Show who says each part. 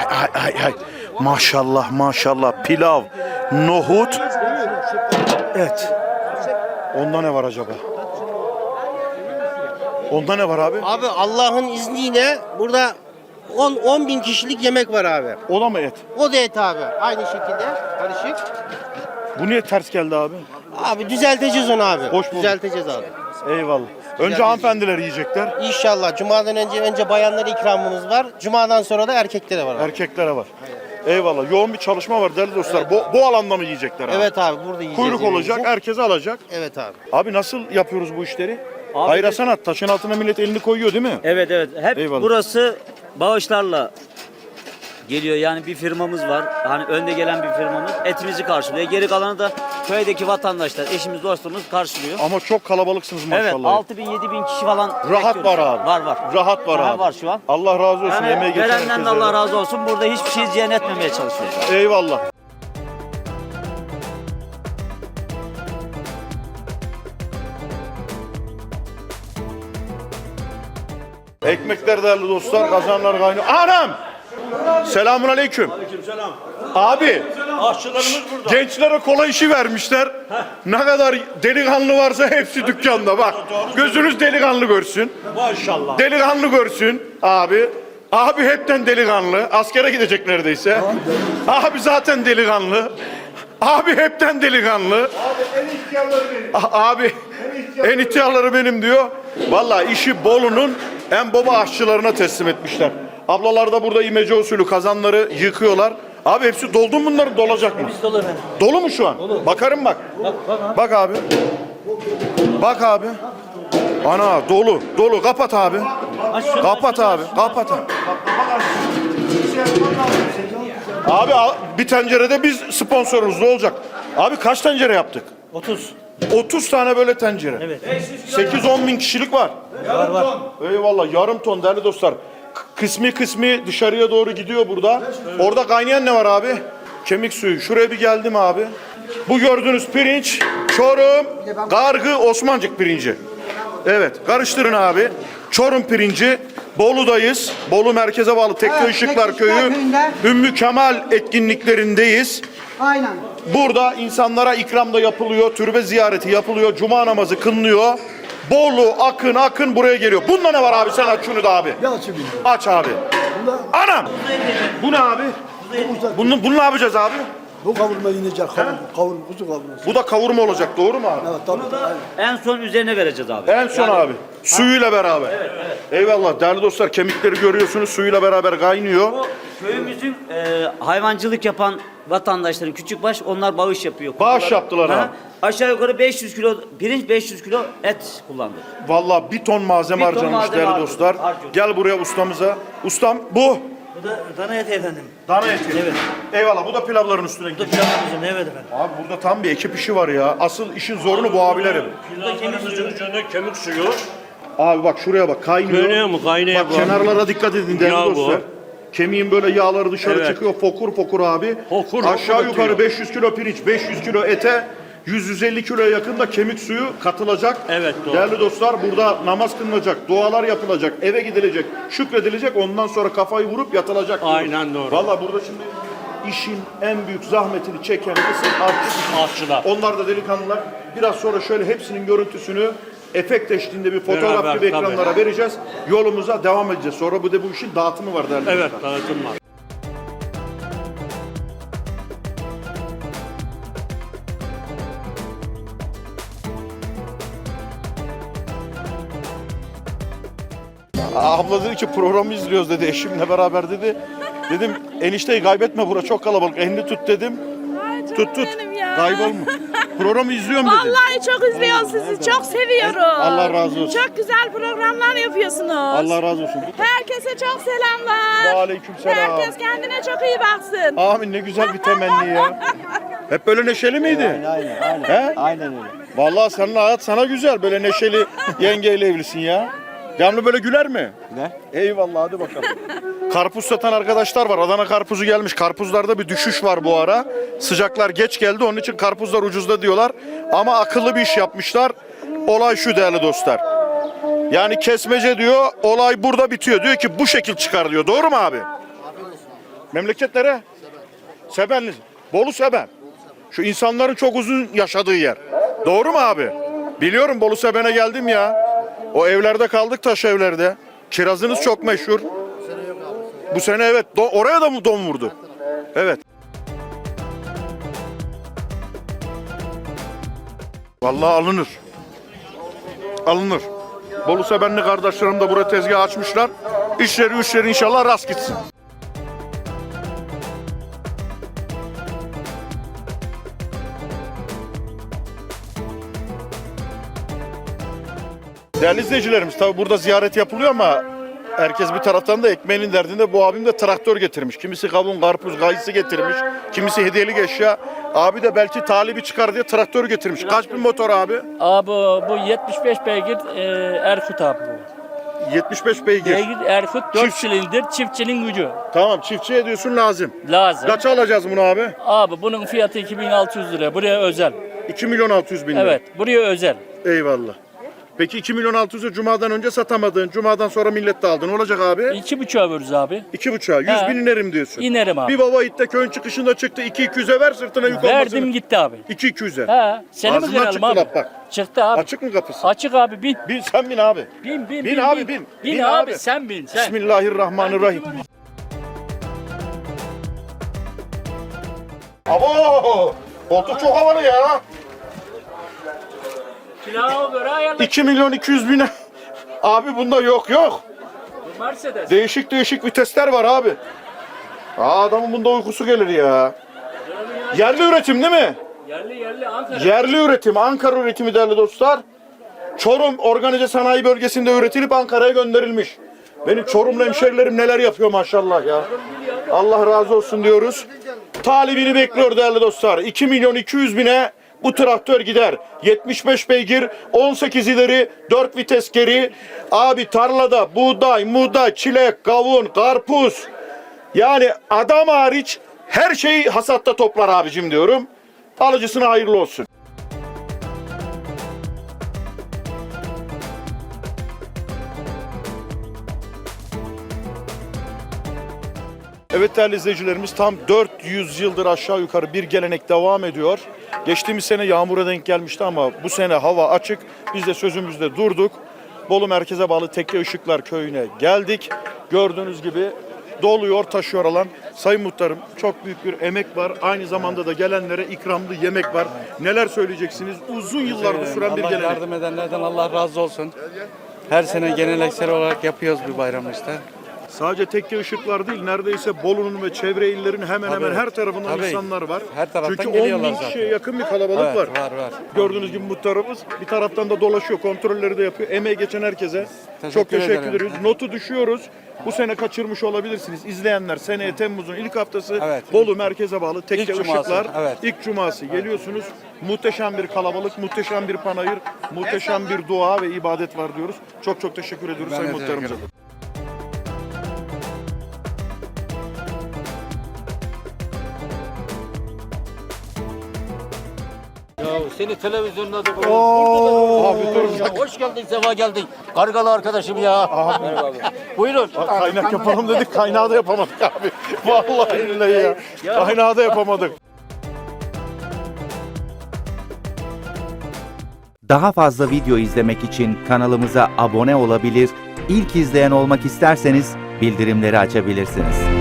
Speaker 1: ay. Maşallah maşallah. Pilav, nohut, et. Onda ne var acaba? Onda ne var abi?
Speaker 2: Abi Allah'ın izniyle burada 10 bin kişilik yemek var abi.
Speaker 1: O da mı et?
Speaker 2: O da et abi. Aynı şekilde karışık.
Speaker 1: Bu niye ters geldi abi?
Speaker 2: Abi düzelteceğiz onu abi.
Speaker 1: Hoş bulduk.
Speaker 2: Düzelteceğiz abi.
Speaker 1: Eyvallah. Önce hanımefendiler yiyecekler.
Speaker 2: İnşallah. Cuma'dan önce bayanlara ikramımız var. Cuma'dan sonra da erkeklere var abi.
Speaker 1: Erkeklere var. Eyvallah. Yoğun bir çalışma var değerli dostlar. Bu alanda mı yiyecekler abi?
Speaker 2: Evet abi burada yiyeceğiz.
Speaker 1: Kuyruk olacak,
Speaker 2: yemeğimizi.
Speaker 1: herkes alacak.
Speaker 2: Evet abi.
Speaker 1: Abi nasıl yapıyoruz bu işleri?
Speaker 3: Abi
Speaker 1: Hayra sanat. Taşın altına millet elini koyuyor değil mi?
Speaker 3: Evet. Hep
Speaker 1: Eyvallah.
Speaker 3: burası bağışlarla geliyor. Yani bir firmamız var. Hani önde gelen bir firmamız etimizi karşılıyor. Geri kalanı da köydeki vatandaşlar, eşimiz, dostumuz karşılıyor.
Speaker 1: Ama çok kalabalıksınız
Speaker 3: Evet,
Speaker 1: maşallah.
Speaker 3: 6.000-7.000 kişi falan
Speaker 1: Rahat
Speaker 3: bekliyoruz.
Speaker 1: var abi.
Speaker 3: Var.
Speaker 1: Rahat var
Speaker 3: Aha,
Speaker 1: abi.
Speaker 3: var şu an.
Speaker 1: Allah razı olsun.
Speaker 3: Yani
Speaker 1: Yemeği geçen
Speaker 3: verenden de
Speaker 1: herkese.
Speaker 3: Allah razı olsun. Burada hiçbir şey ziyan etmemeye çalışıyoruz.
Speaker 1: Eyvallah. Ekmekler değerli dostlar, kazanlar kaynıyor. Anam! Selamun aleyküm.
Speaker 4: Aleykümselam.
Speaker 1: Abi,
Speaker 4: Aşçılarımız burada.
Speaker 1: gençlere kolay işi vermişler. Ne kadar delikanlı varsa hepsi dükkanda bak. Gözünüz delikanlı görsün.
Speaker 4: Maşallah.
Speaker 1: Delikanlı görsün abi. Abi hepten delikanlı. Askere gidecek neredeyse. Abi zaten delikanlı. Abi hepten delikanlı. Abi en ihtiyarları benim diyor. Vallahi işi Bolu'nun en baba aşçılarına teslim etmişler. Ablalar da burada imece usulü kazanları yıkıyorlar. Abi hepsi doldu mu bunlar? Dolacak mı?
Speaker 3: Dolu efendim.
Speaker 1: Dolu mu şu an? Bakarım bak. Bak abi. Bak abi. Ana dolu. Kapat abi. Kapat abi. Kapat abi. Abi bir tencerede biz sponsorumuz ne olacak? Abi kaç tencere yaptık?
Speaker 3: 30.
Speaker 1: 30 tane böyle tencere.
Speaker 3: Evet.
Speaker 1: 8-10 bin kişilik var.
Speaker 3: Var.
Speaker 1: Eyvallah yarım ton değerli dostlar. Kısmi dışarıya doğru gidiyor burada. Orada kaynayan ne var abi? Kemik suyu. Şuraya bir geldim abi. Bu gördüğünüz pirinç Çorum Gargı Osmancık pirinci. Evet karıştırın abi. Çorum pirinci. Bolu'dayız. Bolu merkeze bağlı Tekne Işıklar Köyü. Ümmü Kemal etkinliklerindeyiz.
Speaker 5: Aynen.
Speaker 1: Burada insanlara ikram da yapılıyor. Türbe ziyareti yapılıyor. Cuma namazı kılınıyor. Bolu akın buraya geliyor. Bunda ne var abi? Sen aç şunu da abi. Aç abi. Anam! Bu ne abi? Bunu ne yapacağız abi?
Speaker 6: Bu kavurma inecek, kavurma, kuzu kavurması.
Speaker 1: Bu da kavurma olacak doğru mu abi?
Speaker 6: Evet, tabii.
Speaker 3: En son üzerine vereceğiz abi.
Speaker 1: En son abi. Suyuyla beraber. Evet. Eyvallah değerli dostlar kemikleri görüyorsunuz suyuyla beraber kaynıyor.
Speaker 3: Bu köyümüzün hayvancılık yapan vatandaşların küçükbaş onlar bağış yapıyor.
Speaker 1: Bağış yaptılar
Speaker 3: Ha,
Speaker 1: abi.
Speaker 3: Aşağı yukarı 500 kilo pirinç, 500 kilo et kullandık.
Speaker 1: Vallahi bir ton malzeme
Speaker 3: Bir ton
Speaker 1: harcanmış
Speaker 3: malzeme
Speaker 1: değerli
Speaker 3: harcadık,
Speaker 1: dostlar.
Speaker 3: harcadık.
Speaker 1: Gel buraya ustamıza. Ustam bu.
Speaker 7: Bu da dana eti efendim.
Speaker 1: Dana eti.
Speaker 7: Evet.
Speaker 1: Eyvallah bu da pilavların üstüne
Speaker 7: Bu da
Speaker 1: gidiyor.
Speaker 7: pilavımızın evet efendim.
Speaker 1: Abi burada tam bir ekip işi var ya. Asıl işin zorunu bu abilerim.
Speaker 4: Pilavlarımızın üzerine kemik suyu.
Speaker 1: Abi bak şuraya bak kaynıyor.
Speaker 4: Kaynıyor mu? Kaynıyor
Speaker 1: Bak
Speaker 4: bu.
Speaker 1: kenarlara dikkat edin değerli
Speaker 4: Yağ bu.
Speaker 1: dostlar. Kemiğin böyle yağları dışarı
Speaker 4: Evet.
Speaker 1: çıkıyor fokur abi.
Speaker 4: Fokur
Speaker 1: Aşağı
Speaker 4: fokur
Speaker 1: yukarı
Speaker 4: atıyor.
Speaker 1: 500 kilo pirinç, 500 kilo ete 100-150 kiloya yakın da kemik suyu katılacak.
Speaker 4: Evet, doğru.
Speaker 1: Değerli dostlar burada namaz kılınacak, dualar yapılacak, eve gidilecek, şükredilecek. Ondan sonra kafayı vurup yatılacak.
Speaker 4: Aynen doğru.
Speaker 1: Valla burada şimdi işin en büyük zahmetini çeken kısım
Speaker 4: Aşçılar.
Speaker 1: Onlar da delikanlılar. Biraz sonra şöyle hepsinin görüntüsünü efekt eşliğinde bir fotoğraf
Speaker 4: Beraber,
Speaker 1: gibi ekranlara
Speaker 4: tabii.
Speaker 1: vereceğiz. Yolumuza devam edeceğiz. Sonra bu işin dağıtımı var değerli
Speaker 4: Evet,
Speaker 1: dostlar.
Speaker 4: dağıtım var.
Speaker 1: Abla dedi ki programı izliyoruz dedi eşimle beraber dedi. Dedim enişteyi kaybetme bura çok kalabalık elini tut dedim.
Speaker 8: Ay canım
Speaker 1: Tut
Speaker 8: benim ya.
Speaker 1: kaybolma. Programı izliyorum dedi.
Speaker 8: Vallahi çok izliyorum sizi. Çok seviyorum.
Speaker 1: Allah razı olsun.
Speaker 8: Çok güzel programlar yapıyorsunuz.
Speaker 1: Allah razı olsun.
Speaker 8: Herkese çok selamlar.
Speaker 1: Aleykümselam.
Speaker 8: Herkes kendine çok iyi baksın.
Speaker 1: Amin ne güzel bir temenni ya. Hep böyle neşeli miydi?
Speaker 6: Aynen.
Speaker 1: He?
Speaker 6: Aynen öyle.
Speaker 1: Vallahi senin hayat sana güzel. Böyle neşeli yengeyle evlisin ya. Devamlı böyle güler mi?
Speaker 6: Ne?
Speaker 1: Eyvallah hadi bakalım. Karpuz satan arkadaşlar var. Adana karpuzu gelmiş. Karpuzlarda bir düşüş var bu ara. Sıcaklar geç geldi. Onun için karpuzlar ucuzda diyorlar. Ama akıllı bir iş yapmışlar. Olay şu değerli dostlar. Yani kesmece diyor. Olay burada bitiyor. Diyor ki bu şekil çıkar diyor. Doğru mu abi? Memleket nere? Sebenli. Bolu Seben. Şu insanların çok uzun yaşadığı yer. Doğru mu abi? Biliyorum, Bolu Seben'e geldim ya. O evlerde kaldık, taş evlerde. Kirazınız çok meşhur. Bu sene evet. Oraya da mı don vurdu? Evet. Vallahi alınır. Alınır. Bolu Sebenli kardeşlerim de buraya tezgah açmışlar. İşleri inşallah rast gitsin. Değerli izleyicilerimiz, tabi burada ziyaret yapılıyor ama herkes bir taraftan da ekmeğinin derdinde. Bu abim de traktör getirmiş. Kimisi kavun, karpuz, kayısı getirmiş. Kimisi hediyelik eşya. Abi de belki talibi çıkar diye traktör getirmiş. Kaç bin motor abi?
Speaker 5: Abi bu 75 beygir Erkut abi bu.
Speaker 1: 75 beygir.
Speaker 5: Beygir Erkut 4
Speaker 1: Çift-
Speaker 5: silindir çiftçinin gücü
Speaker 1: Tamam, çiftçiye diyorsun lazım.
Speaker 5: lazım.
Speaker 1: Kaça alacağız bunu abi?
Speaker 5: Abi bunun fiyatı 2600 lira. Buraya özel.
Speaker 1: 2 milyon 600 bin lira.
Speaker 5: Evet buraya özel.
Speaker 1: Eyvallah. Peki 2 milyon 600'ü Cuma'dan önce satamadın. Cuma'dan sonra millet de aldı. Ne olacak abi?
Speaker 5: 2,5'a veririz abi.
Speaker 1: 2,5'a. 100
Speaker 5: He.
Speaker 1: bin inerim diyorsun.
Speaker 5: İnerim abi.
Speaker 1: Bir baba itte köyün çıkışında çıktı. 2-200'e ver sırtına yük olmasını.
Speaker 5: Verdim gitti abi.
Speaker 1: 2-200'e.
Speaker 5: He. Seni mi
Speaker 1: Ağzından
Speaker 5: kıralım
Speaker 1: çıktı
Speaker 5: abi?
Speaker 1: laf bak.
Speaker 5: Çıktı abi.
Speaker 1: Açık mı kapısı?
Speaker 5: Açık abi bin.
Speaker 1: Bin, sen bin abi.
Speaker 5: Bin
Speaker 1: Bin abi, bin.
Speaker 5: Bin,
Speaker 1: Bin
Speaker 5: abi.
Speaker 1: abi.
Speaker 5: Sen bin sen.
Speaker 1: Bismillahirrahmanirrahim. Abo! Koltuk çok havalı ya.
Speaker 5: Kilo göre ayarla.
Speaker 1: 2 milyon 200 bine. Abi bunda yok.
Speaker 5: Mercedes.
Speaker 1: Değişik vitesler var abi. Adamın bunda uykusu gelir ya. Yerli üretim değil mi?
Speaker 5: Yerli Ankara.
Speaker 1: Yerli üretim, Ankara üretimi değerli dostlar. Çorum Organize Sanayi Bölgesi'nde üretilip Ankara'ya gönderilmiş. Benim Çorumlu hemşerilerim neler yapıyor maşallah ya. Allah razı olsun diyoruz. Talibini bekliyor değerli dostlar. 2 milyon 200 bine bu traktör gider. 75 beygir, 18 ileri, 4 vites geri. Abi tarlada buğday, muğday, çilek, kavun, karpuz. Yani adam hariç her şeyi hasatta toplar abicim diyorum. Alıcısına hayırlı olsun. Evet değerli izleyicilerimiz, tam 400 yıldır aşağı yukarı bir gelenek devam ediyor. Geçtiğimiz sene yağmura denk gelmişti ama bu sene hava açık. Biz de sözümüzde durduk. Bolu merkeze bağlı Tekke Işıklar köyüne geldik. Gördüğünüz gibi doluyor, taşıyor alan. Sayın Muhtarım, çok büyük bir emek var. Aynı zamanda da gelenlere ikramlı yemek var. Neler söyleyeceksiniz? Uzun yıllardır süren bir
Speaker 9: Allah
Speaker 1: gelenek.
Speaker 9: yardım edenlerden Allah razı olsun. Her sene geleneksel olarak yapıyoruz bu bayramı işte.
Speaker 1: Sadece Tekke Işıklar değil, neredeyse Bolu'nun ve çevre illerin hemen hemen her tarafından
Speaker 9: Tabii.
Speaker 1: insanlar var.
Speaker 9: Her taraftan
Speaker 1: Çünkü 10 bin
Speaker 9: geliyorlar
Speaker 1: kişiye
Speaker 9: zaten.
Speaker 1: yakın bir kalabalık
Speaker 9: Evet,
Speaker 1: var.
Speaker 9: var.
Speaker 1: Gördüğünüz gibi muhtarımız bir taraftan da dolaşıyor, kontrolleri de yapıyor. Emeği geçen herkese
Speaker 9: Teşekkür
Speaker 1: çok teşekkür
Speaker 9: ederim.
Speaker 1: ediyoruz. Notu düşüyoruz. Bu sene kaçırmış olabilirsiniz. İzleyenler seneye Temmuz'un ilk haftası
Speaker 9: Evet.
Speaker 1: Bolu merkeze bağlı Tekke
Speaker 9: İlk cuması,
Speaker 1: Işıklar.
Speaker 9: evet.
Speaker 1: İlk cuması geliyorsunuz. Muhteşem bir kalabalık, muhteşem bir panayır, muhteşem bir dua ve ibadet var diyoruz. Çok çok teşekkür ediyoruz
Speaker 9: Ben
Speaker 1: Sayın
Speaker 9: de teşekkür
Speaker 1: Muhtarımıza.
Speaker 9: ederim.
Speaker 3: Seni televizyonda da
Speaker 1: Abi dur.
Speaker 3: hoş geldin, sefa geldin. Kargalı arkadaşım ya. Merhaba abi. Buyurun.
Speaker 1: Kaynak yapalım dedik, kaynağı da yapamadık abi. Vallahi billahi ya. Kaynağı da yapamadık.
Speaker 10: Daha fazla video izlemek için kanalımıza abone olabilir, ilk izleyen olmak isterseniz bildirimleri açabilirsiniz.